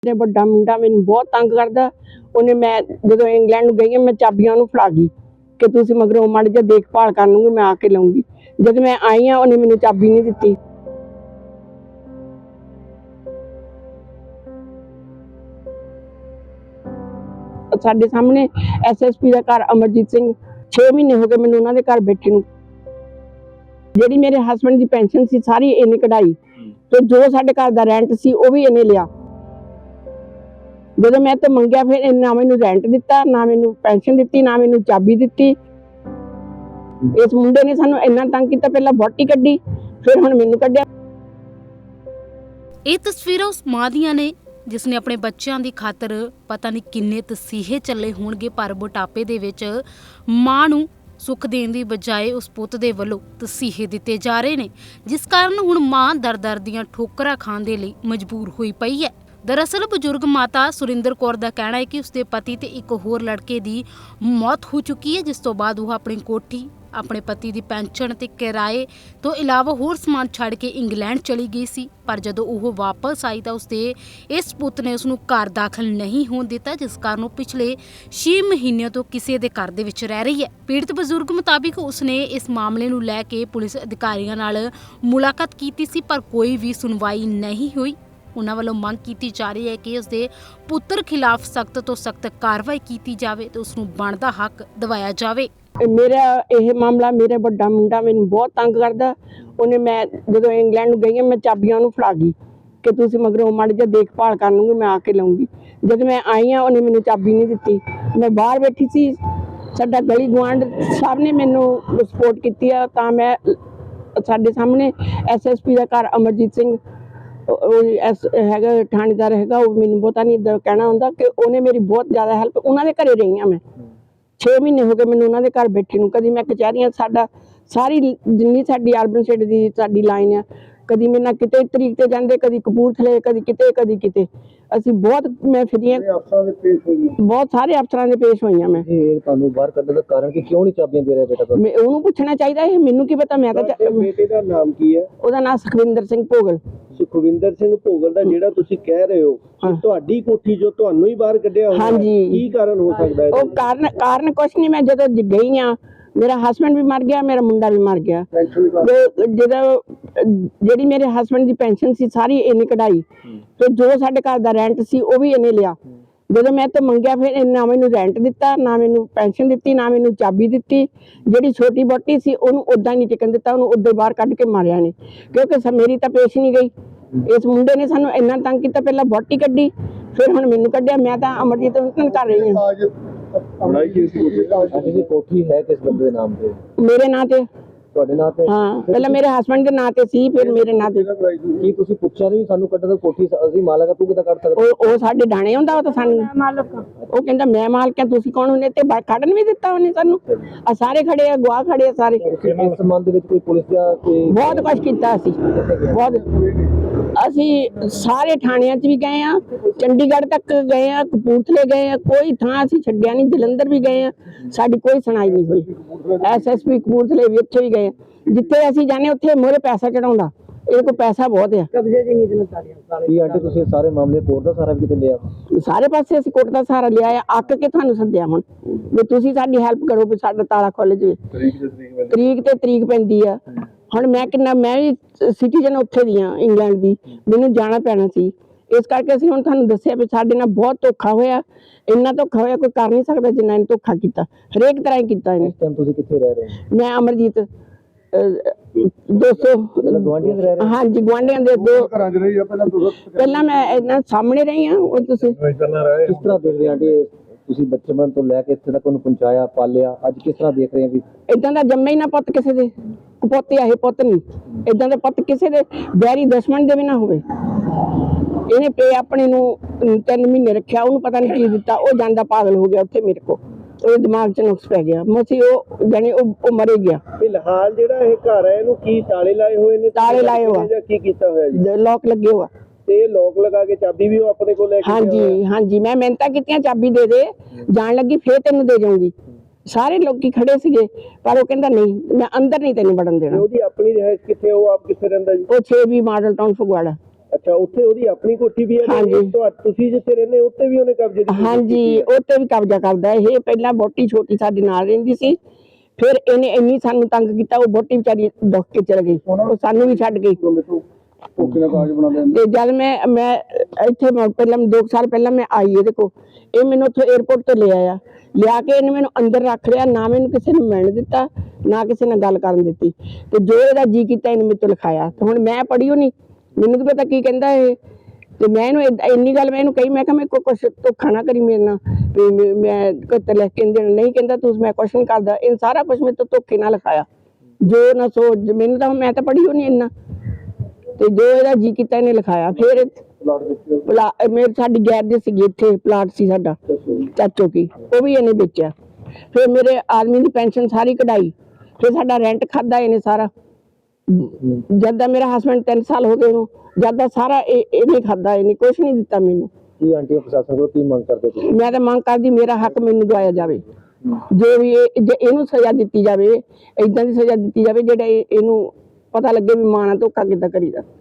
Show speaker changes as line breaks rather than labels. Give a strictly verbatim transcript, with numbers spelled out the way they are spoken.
मेरे बड़ा मुंडा मैनूं बहुत तंग करदा। उन्हें मैं जदों इंग्लैंड नूं गई मैं चाबियां उहनूं फड़ा गई कि तुसीं मगरों माड़ी जी देखभाल कर लूंगी, मैं आके लऊंगी। जद मैं आई हाँ उन्हें मैनूं चाबी नहीं दित्ती। साडे सामने एस एस पी दा घर अमरजीत सिंह छे महीने हो गए मैनूं उन्हां दे घर बैठे नूं। जिहड़ी मेरे हसबैंड दी पेंशन सी सारी इन्हें कढाई ते जो साडे घर दा रेंट सी वो भी इन्हें लिया। जदों मैं तो मंगिया फिर ना मैनूं रेंट दिता, ना मैनूं पेंशन दित्ती, ना मैनूं चाबी दित्ती। इस मुंडे ने सानूं इन्ना तंग कीता, पहला वोटी कड्ढी फिर हुण मैनूं कड्ढिया।
ਇਹ ਤਸਵੀਰਾਂ ਉਸ ਮਾਂ ਦੀਆਂ ਨੇ ਜਿਸ ਨੇ ਆਪਣੇ ਬੱਚਿਆਂ ਦੀ ਖਾਤਰ ਪਤਾ ਨਹੀਂ ਕਿੰਨੇ ਤਸੀਹੇ ਚੱਲੇ ਹੋਣਗੇ, ਪਰ ਬੁਢਾਪੇ ਦੇ ਵਿੱਚ ਮਾਂ ਨੂੰ ਸੁੱਖ ਦੇਣ ਦੀ ਬਜਾਏ ਉਸ ਪੁੱਤ ਦੇ ਵੱਲੋਂ ਤਸੀਹੇ ਦਿੱਤੇ ਜਾ ਰਹੇ ਨੇ, ਜਿਸ ਕਾਰਨ ਹੁਣ ਮਾਂ ਦਰ-ਦਰ ਦੀਆਂ ਠੋਕਰਾਂ ਖਾਣ ਦੇ ਲਈ ਮਜਬੂਰ ਹੋਈ ਪਈ ਹੈ। दरअसल बजुर्ग माता सुरिंदर कौर का कहना है कि उसके पति ते एक होर लड़के की मौत हो चुकी है, जिस तो बाद वह अपनी कोठी अपने पति की पेंशन ते किराए तो इलावा होर समान छड़ के इंग्लैंड चली गई सी। पर जदों वह वापस आई तो उसके इस पुत ने उसनूं घर दाखिल नहीं होण दिता, जिस कारण पिछले छे महीनों तो किसी के घर दे विच रह रही है। पीड़ित बजुर्ग मुताबिक उसने इस मामले नूं लैके पुलिस अधिकारियों नाल मुलाकात की सी, पर कोई भी सुनवाई नहीं हुई। उन्हां वालों मंग की जा रही है कि उसके पुत्र खिलाफ सख्त तो सख्त कार्रवाई की जाए तो उसनूं बनदा हक दिवाया जाए।
मेरा यह मामला मेरे बड़ा मुंडा मैनूं बहुत तंग करदा। उन्हें मैं जदों इंग्लैंड गई मैं चाबियां उहनूं फड़ा गई कि तुसीं मगरों माड़ी जी देखभाल कर लूंगी, मैं आके लऊंगी। जद मैं आई हाँ उन्हें मैनूं चाबी नहीं दित्ती। मैं बाहर बैठी सी, साडा गली गुआंढ सब ने मैनूं सपोर्ट कीती है। तां मैं साडे सामने एस एस पी दा घर अमरजीत सिंह हैगा थानेदार हैगा, वो मैनूं बहुता नहीं कहना हुंदा कि उन्हें मेरी बहुत ज़्यादा हैल्प उन्हां दे घरे रही हाँ। मैं छे महीने हो गए मैनूं उन्हां दे घर बैठे नूं। कदी मैं कचहरियां साडा सारी जिन्नी साडी अर्बन स्टेट दी साडी लाइन है, कदी मेरे नाल किते तरीक ते जांदे, कदी कपूरथले, कदी किते कदी किते। ਅਸੀਂ ਬਹੁਤ ਮੈਂ ਫਿਰੀਆਂ ਅਫਸਰਾਂ ਦੇ ਪੇਸ਼ ਹੋਈ, ਬਹੁਤ ਸਾਰੇ ਅਫਸਰਾਂ ਦੇ ਪੇਸ਼ ਹੋਈਆਂ। ਮੈਂ
ਇਹ ਤੁਹਾਨੂੰ ਬਾਹਰ ਕੱਢਣ ਦਾ ਕਾਰਨ ਕਿ ਕਿਉਂ ਨਹੀਂ ਚਾਬੀਆਂ ਦੇ ਰਿਹਾ ਬੇਟਾ ਤੁਹਾਨੂੰ?
ਮੈਂ ਉਹਨੂੰ ਪੁੱਛਣਾ ਚਾਹੀਦਾ ਹੈ, ਮੈਨੂੰ ਕੀ ਪਤਾ। ਮੈਂ ਤਾਂ
ਬੇਟੇ ਦਾ ਨਾਮ ਕੀ ਹੈ?
ਉਹਦਾ ਨਾਮ ਸੁਖਵਿੰਦਰ ਸਿੰਘ ਭੋਗਲ।
ਸੁਖਵਿੰਦਰ ਸਿੰਘ ਭੋਗਲ ਦਾ ਜਿਹੜਾ ਤੁਸੀਂ ਕਹਿ ਰਹੇ ਹੋ ਤੁਹਾਡੀ ਕੋਠੀ ਜੋ ਤੁਹਾਨੂੰ ਹੀ ਬਾਹਰ ਕੱਢਿਆ ਹੋਇਆ,
ਹਾਂਜੀ,
ਕੀ ਕਾਰਨ ਹੋ ਸਕਦਾ ਹੈ?
ਉਹ ਕਾਰਨ ਕਾਰਨ ਕੁਛ ਨਹੀਂ। ਮੈਂ ਜਦੋਂ ਗਈ ਆ मेरा हसबैंड भी मर गया, मेरा मुंडा भी मर गया। ਜਿਹੜੀ ਮੇਰੇ ਹਸਬੈਂਡ ਦੀ ਪੈਨਸ਼ਨ ਸੀ ਸਾਰੀ ਇਹਨੇ ਕਢਾਈ ਤੇ ਜੋ ਸਾਡੇ ਘਰ ਦਾ ਰੈਂਟ ਸੀ ਉਹ ਵੀ ਇਹਨੇ ਲਿਆ। ਜਦੋਂ ਮੈਂ ਤੇ ਮੰਗਿਆ ਫਿਰ ਨਾ ਮੈਨੂੰ ਰੈਂਟ ਦਿੱਤਾ, ਨਾ ਮੈਨੂੰ ਪੈਨਸ਼ਨ ਦਿੱਤੀ, ਨਾ ਮੈਨੂੰ ਚਾਬੀ ਦਿੱਤੀ। ਜਿਹੜੀ ਛੋਟੀ ਬੋਟੀ ਸੀ ਉਹਨੂੰ ਉਦਾਂ ਨਹੀਂ ਟਿਕਣ ਦਿੱਤਾ, ਉਹਨੂੰ ਉਦਾਂ ਬਾਹਰ ਕੱਢ ਕੇ ਮਾਰਿਆ ਨੇ, ਕਿਉਂਕਿ ਮੇਰੀ ਤਾਂ ਪੇਸ਼ ਨਹੀਂ ਗਈ। ਇਸ ਮੁੰਡੇ ਨੇ ਸਾਨੂੰ ਇੰਨਾ ਤੰਗ ਕੀਤਾ, ਪਹਿਲਾਂ ਬੋਟੀ ਕੱਢੀ ਫਿਰ ਹੁਣ ਮੈਨੂੰ ਕੱਢਿਆ। ਮੈਂ ਤਾਂ ਅਮਰਜੀਤ ਨੂੰ ਕਰ ਰਹੀ ਹਾਂ।
ਕੋਠੀ ਹੈ ਕਿਸ ਬੰਦੇ ਦੇ ਨਾਮ ਤੇ?
ਮੇਰੇ ਨਾਂ ਤੇ।
ਤੁਹਾਡੇ ਨਾਂ ਤੇ?
ਹਾਂ, ਪਹਿਲਾਂ ਮੇਰੇ ਹਸਬੈਂਡ ਦੇ ਨਾਂ ਤੇ ਸੀ, ਫਿਰ ਮੇਰੇ ਨਾਂ ਤੇ।
ਕੀ ਤੁਸੀਂ ਪੁੱਛਿਆ ਨਹੀਂ ਸਾਨੂੰ ਕੱਢਣ ਦਾ? ਕੋਠੀ ਅਸੀਂ ਮਾਲਕ ਆ, ਤੂੰ ਕਿੱਦਾਂ ਕੱਢ ਸਕਦਾ?
ਉਹ ਉਹ ਸਾਡੇ ਢਾਣੇ ਹੁੰਦਾ, ਉਹ ਤਾਂ ਸਾਨੂੰ ਮਾਲਕ। ਉਹ ਕਹਿੰਦਾ ਮੈਂ ਮਾਲਕ ਆ, ਤੁਸੀਂ ਕੌਣ ਹੁੰਦੇ? ਤੇ ਕੱਢਣ ਵੀ ਦਿੱਤਾ ਉਹਨੇ ਸਾਨੂੰ। ਆ ਸਾਰੇ ਖੜੇ ਆ, ਗਵਾਹ ਖੜੇ ਆ ਸਾਰੇ।
ਇਸ ਸੰਬੰਧ ਦੇ ਵਿੱਚ ਕੋਈ ਪੁਲਿਸ ਦਾ ਕੋਈ
ਬਹੁਤ ਕੁਛ ਕੀਤਾ ਅਸੀਂ, ਬਹੁਤ। ਅਸੀਂ ਸਾਰੇ ਥਾਣਿਆਂ 'ਚ ਵੀ ਗਏ ਆ, ਚੰਡੀਗੜ੍ਹ ਤੱਕ ਗਏ ਆ, ਕਪੂਰਥਲੇ ਗਏ ਆ, ਕੋਈ ਥਾਂ ਅਸੀਂ ਛੱਡਿਆ ਨਹੀਂ। ਜਲੰਧਰ ਵੀ ਗਏ ਆ, ਸਾਡੀ ਕੋਈ ਸੁਣਾਈ ਨਹੀਂ ਹੋਈ। ਐਸ ਐਸ ਪੀ ਕਪੂਰਥਲੇ ਵੀ ਉੱਥੇ ਵੀ ਗਏ ਆ। ਜਿੱਥੇ ਅਸੀਂ ਜਾਣੇ ਉੱਥੇ ਮੋਰੇ ਪੈਸਾ ਚੜਾਉਂਦਾ, ਇਹ ਕੋਈ ਪੈਸਾ ਬਹੁਤ ਆ। ਕਬਜ਼ੇ ਦੀ ਨੀਂਦ ਨਾਲ
ਕੀ ਆਂਟੀ ਤੁਸੀਂ ਸਾਰੇ ਮਾਮਲੇ ਕੋਰਟ ਦਾ ਸਾਰਾ ਕਿਤੇ ਲਿਆ?
ਸਾਰੇ ਪਾਸੇ ਅਸੀਂ ਕੋਰਟ ਦਾ ਸਹਾਰਾ ਲਿਆ ਆ। ਅੱਕ ਕੇ ਤੁਹਾਨੂੰ ਸੱਦਿਆ ਹੁਣ ਵੀ ਤੁਸੀਂ ਸਾਡੀ ਹੈਲਪ ਕਰੋ ਵੀ ਸਾਡਾ ਤਾਲਾ ਖੁੱਲ ਜਾਵੇ। ਤਰੀਕ ਤੇ ਤਰੀਕ ਪੈਂਦੀ ਆ। ਹੁਣ ਮੈਂ ਕਿੰਨਾ ਮੈਂ ਵੀ ਸਿਟੀਜ਼ਨ ਉੱਥੇ ਦੀ ਆ ਇੰਗਲੈਂਡ ਦੀ, ਮੈਨੂੰ ਜਾਣਾ ਪੈਣਾ ਸੀ। ਇਸ ਕਰਕੇ ਅਸੀਂ ਹੁਣ ਤੁਹਾਨੂੰ ਦੱਸਿਆ ਵੀ ਸਾਡੇ ਨਾਲ ਬਹੁਤ ਧੋਖਾ ਹੋਇਆ। ਇੰਨਾ ਧੋਖਾ ਹੋਇਆ ਕੋਈ ਕਰ ਨਹੀਂ ਸਕਦਾ ਜਿੰਨਾ ਇਹਨੇ ਧੋਖਾ ਕੀਤਾ। ਹਰੇਕ ਤਰ੍ਹਾਂ ਹੀ ਕੀਤਾ ਇਹਨੇ।
ਇਸ ਟਾਈਮ ਤੁਸੀਂ ਕਿੱਥੇ ਰਹਿ ਰਹੇ ਹੋ?
ਮੈਂ ਅਮਰਜੀਤ ਦੋ ਸੌ
ਗੁਆਂਢੀਆਂ ਦੇ ਰਹਿ ਰਹੇ?
ਹਾਂਜੀ, ਗੁਆਂਢੀਆਂ ਦੇ ਦੋ
ਘਰਾਂ 'ਚ ਰਹੀ ਆ ਪਹਿਲਾਂ।
ਪਹਿਲਾਂ ਮੈਂ ਇਹਨਾਂ ਸਾਹਮਣੇ ਰਹੀ ਹਾਂ। ਉਹ ਤੁਸੀਂ
ਕਿਸ ਤਰ੍ਹਾਂ ਦੇਖ ਰਹੇ ਆਂਟੀ? ਤੁਸੀਂ ਬਚਪਨ ਤੋਂ ਲੈ ਕੇ ਇੱਥੇ ਤੱਕ ਉਹਨੂੰ ਪਹੁੰਚਾਇਆ, ਪਾਲਿਆ, ਅੱਜ ਕਿਸ ਤਰ੍ਹਾਂ ਦੇਖ ਰਹੇ ਆ ਵੀ
ਇਦਾਂ ਦਾ ਜੰਮੇ ਹੀ ਨਾ ਪੁੱਤ ਕਿਸੇ ਦੇ? ਕੁਪੋਤੇ ਆਹੇ ਪੁੱਤ ਨਹੀਂ, ਇਦਾਂ ਦੇ ਪੁੱਤ ਕਿਸੇ ਦੇ ਬੈਰੀ ਦੁਸ਼ਮਣ ਦੇ ਵੀ ਨਾ ਹੋਵੇ। ਇਹਨੇ ਪੇ ਆਪਣੇ ਨੂੰ ਤਿੰਨ ਮਹੀਨੇ ਰੱਖਿਆ, ਉਹਨੂੰ ਪਤਾ ਨਹੀਂ ਕੀ ਦਿੱਤਾ। ਉਹ ਜਾਂਦਾ ਪਾਗਲ ਹੋ ਗਿਆ ਉੱਥੇ ਮੇਰੇ ਕੋਲ, ਉਹਦੇ ਦਿਮਾਗ 'ਚ ਨੁਕਸ ਪੈ ਗਿਆ। ਮਸੀ ਉਹ ਜਾਣੇ ਉਹ ਮਰੇ ਗਿਆ।
ਫਿਲਹਾਲ ਜਿਹੜਾ ਇਹ ਘਰ ਹੈ ਇਹਨੂੰ ਕੀ ਤਾਲੇ ਲਾਏ ਹੋਏ ਨੇ?
ਤਾਲੇ ਲਾਏ ਹੋਆ
ਜਾਂ ਕੀ ਕੀਤਾ ਹੋਇਆ ਜੀ?
ਲੋਕ ਲੱਗੇ ਹੋਆ।
ਤੇ ਲੋਕ ਲਗਾ ਕੇ ਚਾਬੀ ਵੀ ਉਹ ਆਪਣੇ ਕੋਲ ਲੈ ਕੇ?
ਹਾਂਜੀ ਹਾਂਜੀ, ਮੈਂ ਮਿਹਨਤਾਂ ਕੀਤੀਆਂ ਚਾਬੀ ਦੇ ਦੇ, ਜਾਣ ਲੱਗੀ ਫੇਰ ਤੈਨੂੰ ਦੇ ਜਾਊਂਗੀ। ਸਾਰੇ ਲੋਕੀ ਖੜੇ ਸੀਗੇ ਪਰ ਉਹ ਕਹਿੰਦਾ ਨਹੀਂ, ਮੈਂ ਅੰਦਰ ਨਹੀਂ ਤੈਨੂੰ ਵੜਨ ਦੇਣਾ।
ਉਹਦੀ ਆਪਣੀ ਰਿਹਾਇਸ਼ ਕਿੱਥੇ? ਉਹ ਆਪ ਕਿੱਥੇ ਰਹਿੰਦਾ ਜੀ?
ਉਹ ਛੇ ਵੀ ਮਾਡਲ ਟਾਊਨ ਫਗਵਾੜਾ।
ਅੱਛਾ, ਉੱਥੇ ਉਹਦੀ ਆਪਣੀ ਕੋਠੀ ਵੀ ਹੈ ਤੇ
ਹਾਂਜੀ।
ਤੁਹਾ- ਤੁਸੀਂ ਜਿੱਥੇ ਰਹਿੰਦੇ ਉੱਥੇ ਵੀ ਉਹਨੇ ਕਬਜ਼ੇ ਦੀ ਕੋਸ਼ਿਸ਼
ਹਾਂਜੀ
ਕੀਤੀ ਹੈ?
ਉਹ ਤੇ ਵੀ ਕਬਜ਼ਾ ਕਰਦਾ ਇਹ। ਪਹਿਲਾਂ ਵਹੁਟੀ ਛੋਟੀ ਸਾਡੇ ਨਾਲ ਰਹਿੰਦੀ ਸੀ, ਫਿਰ ਇਹਨੇ ਇੰਨੀ ਸਾਨੂੰ ਤੰਗ ਕੀਤਾ, ਉਹ ਵਹੁਟੀ ਵਿਚਾਰੀ ਦੁੱਖ ਕੇ ਚਲ ਗਈ, ਉਹ ਸਾਨੂੰ ਵੀ ਛੱਡ ਗਈ। ਤੇ ਜਦ ਮੈਂ ਮੈਂ ਇੱਥੇ ਮੈਂ ਪਹਿਲਾਂ ਦੋ ਕੁ ਸਾਲ ਪਹਿਲਾਂ ਮੈਂ ਆਈ ਇਹਦੇ ਕੋਲ, ਇਹ ਮੈਨੂੰ ਉੱਥੋਂ 에어ਪੋਰਟ ਤੋਂ ਲੈ ਆਇਆ, ਲਿਆ ਕੇ ਇਹਨੇ ਮੈਨੂੰ ਅੰਦਰ ਰੱਖ ਲਿਆ, ਨਾ ਮੈਨੂੰ ਕਿਸੇ ਨੇ ਮਿਲਣ ਦਿੱਤਾ, ਨਾ ਕਿਸੇ ਨਾਲ ਗੱਲ ਕਰਨ ਦਿੱਤੀ, ਤੇ ਜੋ ਇਹਦਾ ਜੀ ਕੀਤਾ ਇਹਨੇ ਮੇਰੇ ਤੋਂ ਲਿਖਾਇਆ। ਤੇ ਹੁਣ ਮੈਂ ਪੜ੍ਹੀ ਓ ਨਹੀਂ, ਮੈਨੂੰ ਕੀ ਪਤਾ ਕੀ ਕਹਿੰਦਾ ਇਹ। ਤੇ ਮੈਂ ਇਹਨੂੰ ਏਦਾਂ- ਇੰਨੀ ਗੱਲ ਮੈਂ ਇਹਨੂੰ ਕਹੀ, ਮੈਂ ਕਿਹਾ ਮੈਂ ਕੋਈ ਕੁਛ ਧੋਖਾ ਨਾ ਕਰੀ ਮੇਰੇ ਨਾਲ, ਵੀ ਮੈਂ- ਮੈਂ ਕੋਈ ਲਿਖ ਕੇ ਦੇਣਾ ਨਹੀਂ। ਕਹਿੰਦਾ ਤੂੰ, ਮੈਂ ਕੁਛ ਨਹੀਂ ਕਰਦਾ, ਇਹ ਸਾਰਾ ਕੁਛ ਮੇਰੇ ਤੋਂ ਧੋਖੇ ਨਾਲ ਲਿਖਾਇਆ, ਜੋ ਨਾ ਸੋਚ। ਮੈਨੂੰ ਤਾਂ ਮੈਂ ਤਾਂ ਪੜ੍ਹੀ ਓ ਨਹੀਂ ਇੰਨਾ, ਤੇ ਜੋ ਇਹਦਾ ਜੀ ਕੀਤਾ ਇਹਨੇ ਲਿਖਾਇਆ। ਫਿਰ ਪਲਾ- ਮੇਰੇ ਸਾਡੀ ਗੈਰ ਦੀ ਸੀਗੀ, ਇੱਥੇ ਪਲਾਟ ਸੀ ਸਾਡਾ ਚਾਚੋ ਕੀ, ਉਹ ਵੀ ਇਹਨੇ ਵੇਚਿਆ। ਫਿਰ ਮੇਰੇ ਆਦਮੀ ਦੀ ਪੈਨਸ਼ਨ ਸਾਰੀ ਕਢਾਈ, ਫਿਰ ਸਾਡਾ ਰੈਂਟ ਖਾਦਾ ਇਹਨੇ ਸਾਰਾ। ਜਦ ਦਾ ਮੇਰਾ ਹਸਬੈਂਡ ਤਿੰਨ ਸਾਲ ਹੋ ਗਏ ਉਹਨੂੰ, ਜਦ ਦਾ ਸਾਰਾ ਇਹ ਇਹਨੇ ਖਾਦਾ, ਇਹਨੇ ਕੁਛ ਨਹੀਂ ਦਿੱਤਾ ਮੈਨੂੰ।
ਕੀ ਆਂਟੀ ਪ੍ਰਸ਼ਾਸਨ ਕੋਲ ਕੀ ਮੰਗ ਕਰਦੇ ਤੁਸੀਂ?
ਮੈਂ ਤਾਂ ਮੰਗ ਕਰਦੀ ਮੇਰਾ ਹੱਕ ਮੈਨੂੰ ਦਵਾਇਆ ਜਾਵੇ, ਜੋ ਵੀ ਇਹ ਜੇ ਇਹਨੂੰ ਸਜ਼ਾ ਦਿੱਤੀ ਜਾਵੇ, ਏਦਾਂ ਦੀ ਸਜ਼ਾ ਦਿੱਤੀ ਜਾਵੇ ਜਿਹੜਾ ਇਹ- ਇਹਨੂੰ ਪਤਾ ਲੱਗੇ ਵੀ ਮਾਂ ਨਾਲ ਧੋਖਾ ਕਿੱਦਾਂ ਕਰੀਦਾ।